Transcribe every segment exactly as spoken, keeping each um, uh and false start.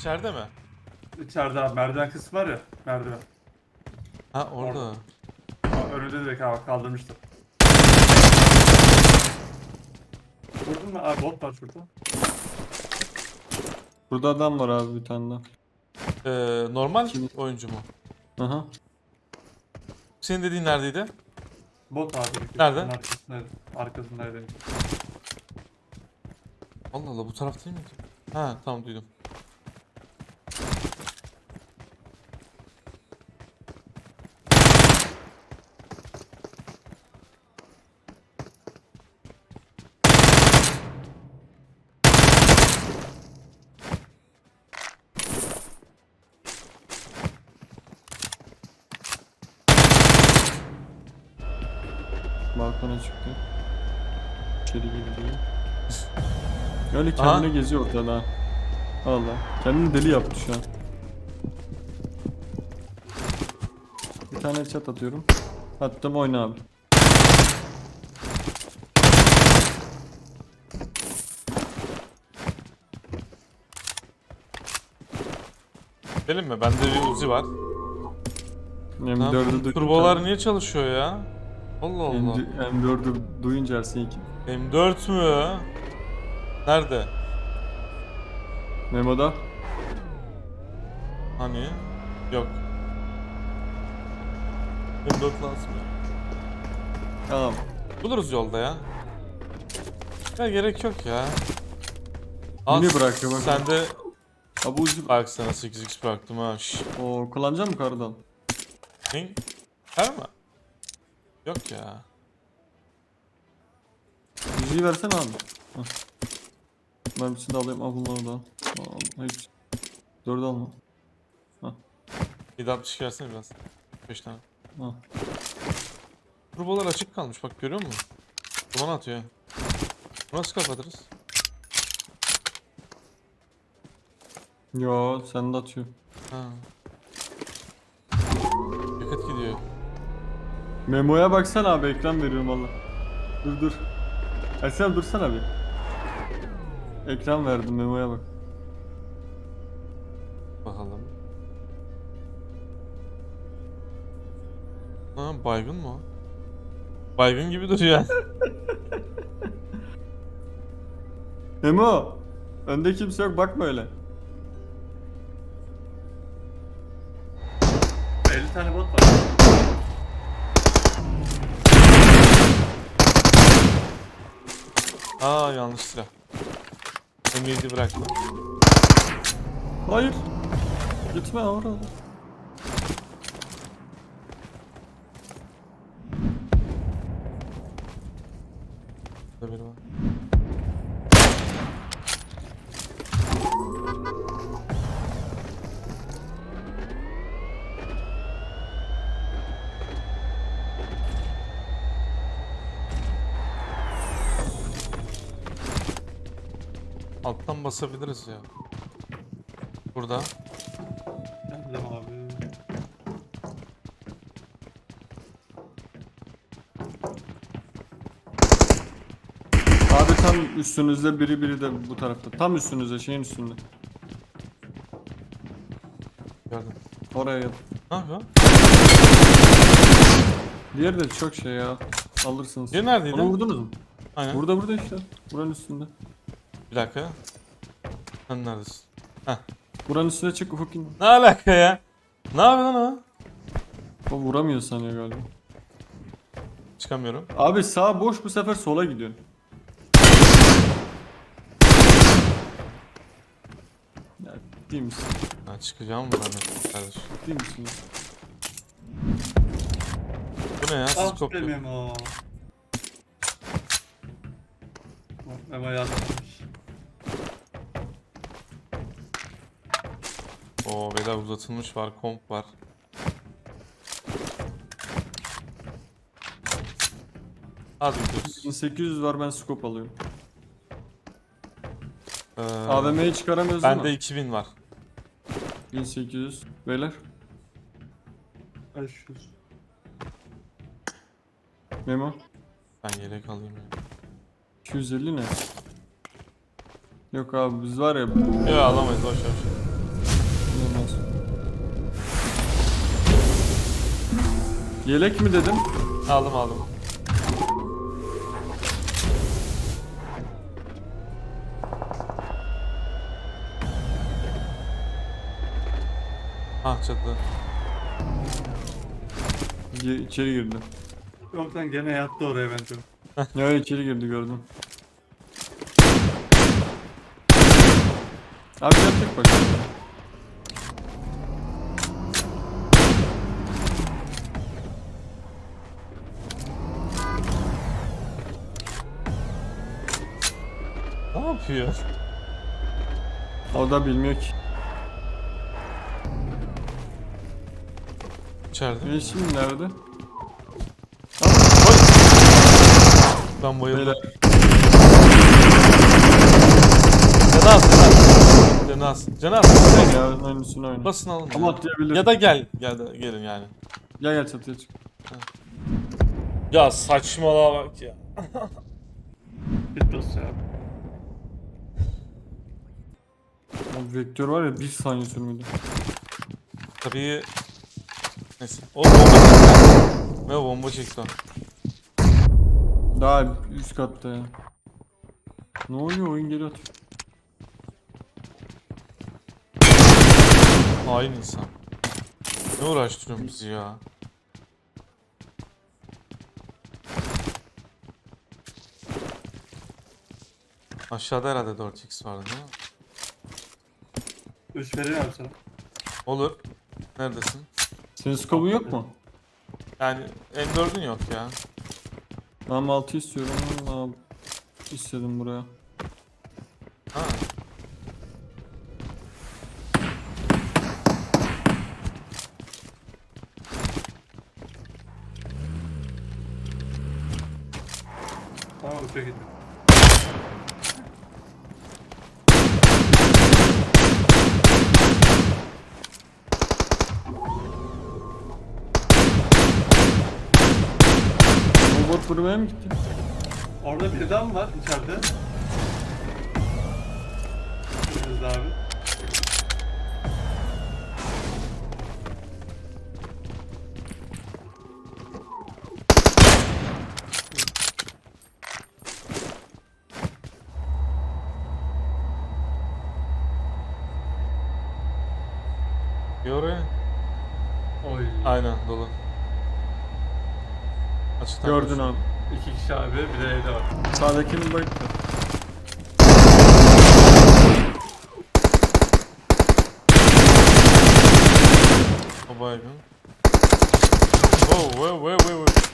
İçeride mi? İçeride abi merdiven kısmı var ya. Merdiven. Ha orada. Orada. Aa, önünde direkt abi kaldırmıştım. Vurdun mu? Abi bot var şurada. Burada adam var abi bir tane daha. Ee, normal Kim? oyuncu mu? Aha. Senin dediğin neredeydi? Bot abi. Nerede? Arkasındaydı. Arkasındaydı. Allah Allah, bu taraf değil miydi? Ha tamam, duydum. Balkona çıktı. İçeri girdi. Öyle kendine Aha. geziyor ortada ha. Allah. Kendini deli yaptı şu an. Bir tane chat atıyorum. Attım, oyna abi. Benim mi? Bende bir Uzi var. M Lan dördü bu duyunca... turbolar niye çalışıyor ya? Allah Allah. M dördü duyunca Ersin iki. M dört mü? Nerede? Memo'da. Hani? Yok. M dört lazım ya. Tamam. Buluruz yolda ya. Ya gerek yok ya. Yine bırakıyor bak. Sen de Abi ucu... bak, sana sekiz x bıraktım ha. Şşş. Oo, kullanacak mı kardan? Ne? Her mi? Yok ya. Yüzüğü versene abi. Hah. Ben bir şey de alayım. Al bunları da. Al. Hiç. Dördü alma. yedi altmış versene biraz. beş tane. Ha. Turbolar açık kalmış, bak görüyor musun? Duman atıyor. Bunu nasıl kapatırız? Yo, sen de atıyor. Ha. Yakıt gidiyor. Memo'ya baksana abi, ekran veriyorum valla. Dur dur. Ersen dursana bir. Ekran verdim, Memo'ya bak. Bakalım. Ha, baygın mı o? Baygın gibi duruyor. Memo! Önde kimse yok, bakma öyle. elli tane bot var. Aa, yanlış silah. M yedi bıraktım. Hayır. Gitme orada. Burada biri var. Alttan basabiliriz ya. Burada. Geldim abi. Abi tam üstünüzde, biri biri de bu tarafta. Tam üstünüzde, şeyin üstünde. Gördüm. Oraya yap. Ne yapıyor? Diğeri de çok şey ya. Alırsınız. Diğeri neredeydi? Onu vurdunuz mu? Aynen. Burada burada işte. Buranın üstünde. Bir dakika. Sen neredesin? Heh. Buranın üstüne çık, ufuk in. Ne alaka ya? Ne yapıyor lan o? O vuramıyor sanıyor galiba. Çıkamıyorum. Abi sağ boş, bu sefer sola gidiyorsun. Ya ciddi misin? Ha, çıkacağım buradan kardeş. Ciddi misin? Bu ne ya? Siz Ah be koptu. Memo. Bak, Memo yazmış. Oo, beyler uzatılmış var, komp var. Hadi gidiyoruz. bin sekiz yüz var, ben scope alıyorum. Ee, A V M'yi çıkaramıyoruz değil bende mi? iki bin var. bin sekiz yüz. Beyler. beş yüz. Memo. Ben yelek alayım ya. iki yüz elli ne? Yok abi biz var ya. Yok, alamayız, boş ver. Yelek mi dedim? Aldım aldım. Ah çatıda. Ye- içeri girdi. Yok lan gene yattı oraya bence. Ya içeri girdi gördüm. Abi yapacak bak. Ne yapıyor? O da bilmiyor ki. İçeride. E şimdi nerede? Ben bayıldım. Beyler. Canaz, Canaz. Canaz. Canaz. Ya oyunun üstüne oyna. Basın alın. Ama ya. atlayabilir. Ya da gel. Gel de, gelin yani. Gel gel çatıya çık. Ya saçmalığa bak ya. Bit basıyor abi. O vektör var ya bir saniye sürmüyordu. Tabii. Neyse. O bomba çekti. Ne o bomba çekti o. Daha üst katta ya. Ne oluyor oyun geri atıyor. Hain insan. Ne uğraştırıyorsun bizi ya? Aşağıda herhalde dört x vardı değil mi? üç vereyim abi sana. Olur. Neredesin? Senin skobun yok mu? Yani M dördün yok ya. Ben altı istiyorum ama istedim buraya. Ha. Tamam üçe gittim. Robot buraya mı gitti? Orada bir daha mı var içeride? Önümüzde abi. Bir oraya. Oy. Aynen dolu. Açıktan Gördün koş. abi. İki kişi abi bir de evde var. Sağdakinin bayıktı. O baygın. Wow, wow, wow, wow, wow.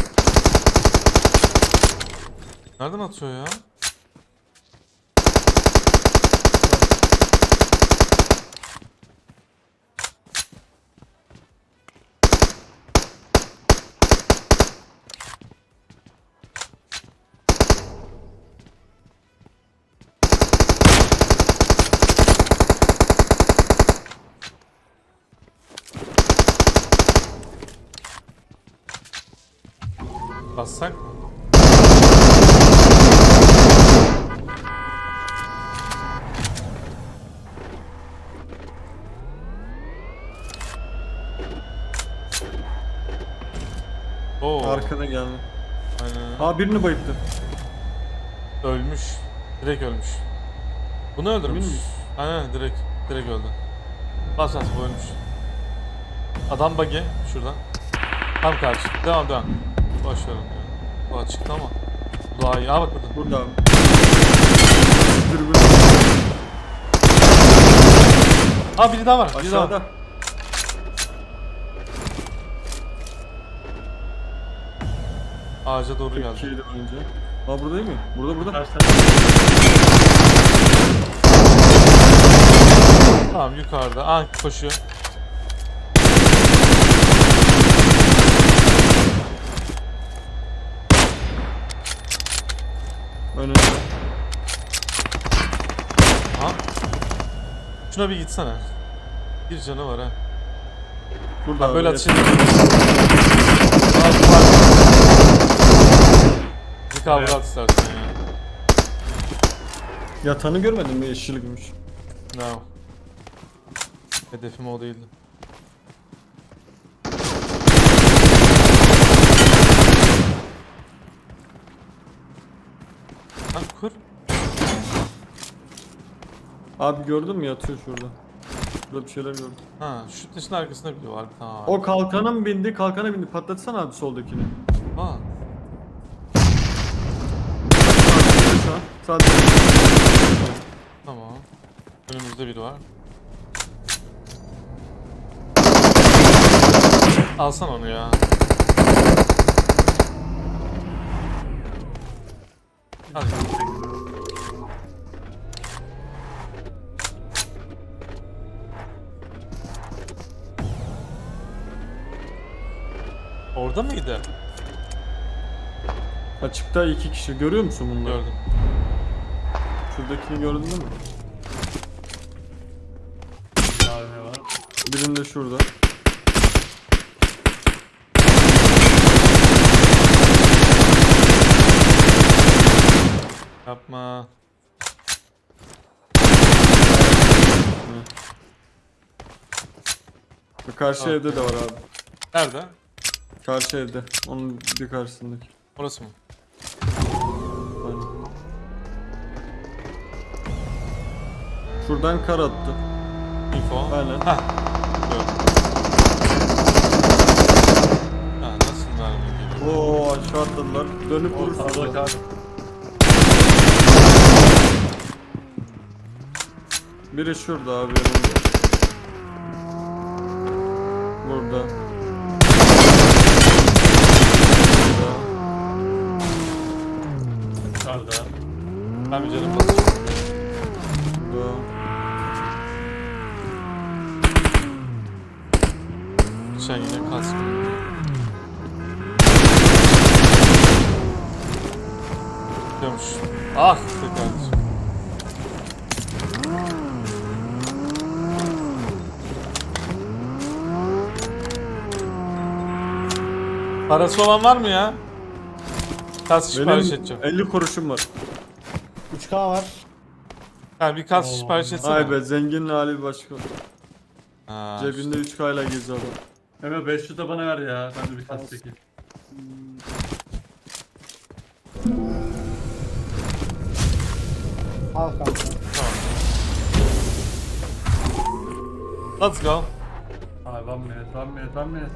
Nereden atıyor ya? Bassak mı? Oo. Arkada geldi. Aynen. Ha birini bayıttı. Ölmüş. Direkt ölmüş. Bunu öldürmüş. Emin miyiz? Aynen direkt. Direkt öldü. Bas bas bu ölmüş. Adam buggy şuradan. Tam karşı. Devam devam. Boş verin ya. Bu açıkta ama. Bu daha iyi. Aa bak burada. Burada abi. Dürbün. Aa biri daha var. Biri daha var. Aşağıda. Ağaca doğru geldi. Türkiye'de önce. Ha burada değil mi? Burada burada. Karşıda. Tamam yukarıda. Aa koşuyor. Önünde. Aha. Şuna bir gitsene. Bir canı var ha. Burada Ha, abi, böyle evet. atış edeyim. Bir kavga Evet. at istersen ya. Yatanı görmedin mi? Yeşil gümüş. No. Hedefim o değildi. Kur. Abi gördün mü yatıyor şurada. Burada bir şeyler gördüm. Ha, şu taşın arkasında biri var. Tamam. O kalkana mı bindi? Kalkana bindi. Patlatsana abi soldakini. Aa, Sağ. Sağ. tamam. Önümüzde biri var. Alsan onu ya. Hadi. Orada mıydı? Açıkta iki kişi. Görüyor musun bunları? Gördüm. Şuradakini gördün mü? Abi ne var? Birinde şurada. Yapma. Ve karşı Okey. evde de var abi. Nerede? Karşı evde. Onun bir karşısındaki. Orası mı? Aynen. Şuradan kar attı. Info. Aynen. Hah. Gördüm. Ha, nasıl mermi geliyor? Oo aşağı atladılar. Dönüp O vurursun. sağlık abi. Biri şurada abi yanımda. Burada. Burada. Dışarıda. Ben bir canım basacağım. Burada. Geçen yine kaskım. Diyormuş. Ah be kardeşim. Parası olan var mı ya? Kask sipariş Benim edeceğim. elli kuruşum var. üç K var. Yani bir kask Oo. sipariş etsene. Ay be zenginin hali bir başka. Ha, Cebinde üç K ile geziyor adam. Hemen beş yüz de bana ver ya. Ben de bir tas çekeyim. Al kanka. tamam. Let's go. Abi one minute, one minute, one minute.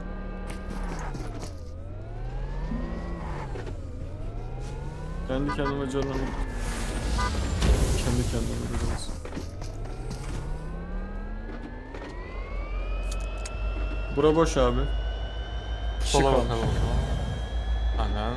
Kendi kendime canım. Kendi kendime biraz. Bura boş abi. Sola Şık bakalım o zaman. Aynen.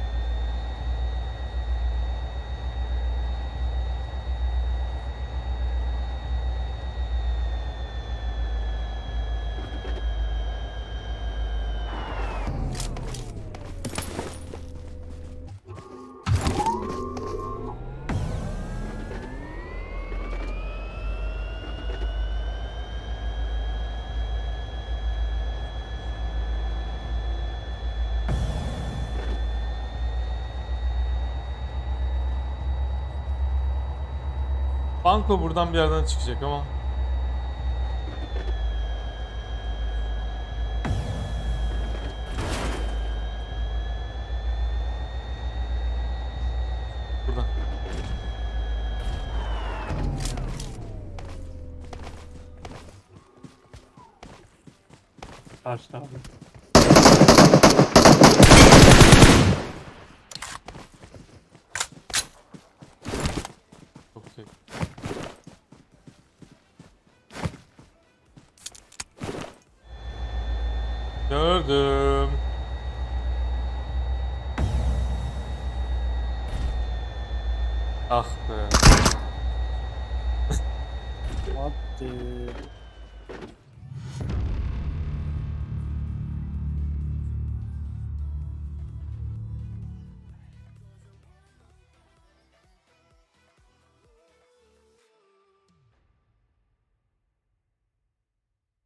Banko buradan bir yerden çıkacak ama. Buradan. Karşıda abi. Çok iyi. Gördüm. Ah be. Hadi.